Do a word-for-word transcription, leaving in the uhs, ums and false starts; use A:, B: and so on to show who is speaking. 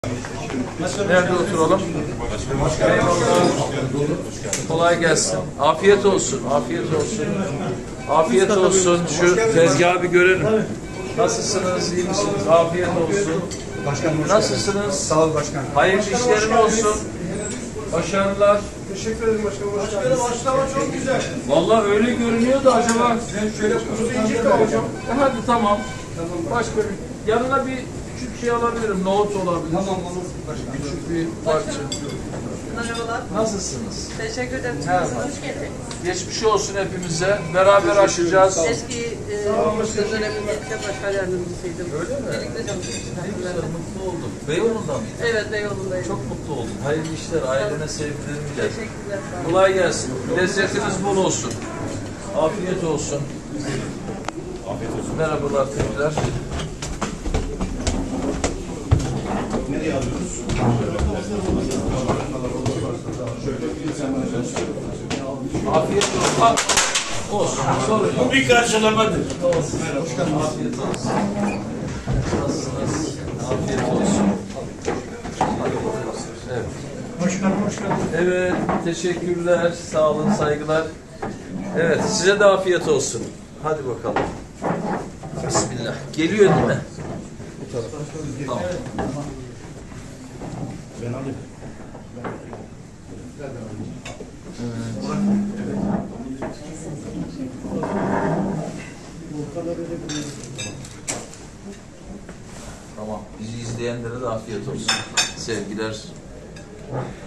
A: Nerede oturalım? Kolay gelsin. Afiyet olsun. Afiyet olsun. Afiyet olsun. Şu tezgahı bir görelim. Nasılsınız? İyi misiniz? Afiyet olsun.
B: Başkanım,
A: nasılsınız?
B: sağ ol başkanım.
A: Hayırlı işlerin olsun. Başarılar.
C: Teşekkür ederim başkanım. Başkanım başlama çok güzel.
A: Vallahi öyle görünüyor da acaba.
C: Şöyle kuzu incik de hocam.
A: E hadi tamam. Başka bir yanına bir küçük şey alabilirim. Nohut olabilir.
B: Tamam olur başkanım.
A: Küçük bir parça.
D: Merhabalar.
A: Nasılsınız?
D: Teşekkür ederim.
A: Merhaba.
D: Hoş geldin.
A: Geçmiş olsun hepimize. Beraber aşacağız.
D: Eski e, döneminde ilçe başkan yardımcısıydım.
A: Öyle mi?
D: Birlikte çalıştık.
A: Ne güzel, mutlu oldum. Beyoğlu'nda mı?
D: Evet, Beyoğlu'ndayım.
A: Çok mutlu oldum. Hayırlı işler, ailene sevgilerimi ilet.
D: teşekkürler. Sağ olun.
A: Kolay gelsin. Lezzetiniz bol olsun. Afiyet olsun. Afiyet olsun. Merhabalar tekrar.
C: Nereye alıyoruz?
A: Afiyet olsun. Ha, olsun. Sorun yok.
C: Bir karşılamadır.
A: Olsun. Afiyet olsun. Nasılsınız? Afiyet olsun. Evet.
C: Başkanım hoş geldin.
A: Evet, teşekkürler, sağ olun, saygılar. Evet, size de afiyet olsun. Hadi bakalım. Bismillah. Geliyor değil mi? Tamam.
C: Ben alayım.
A: Tamam. Bizi izleyenlere de afiyet olsun. Sevgiler.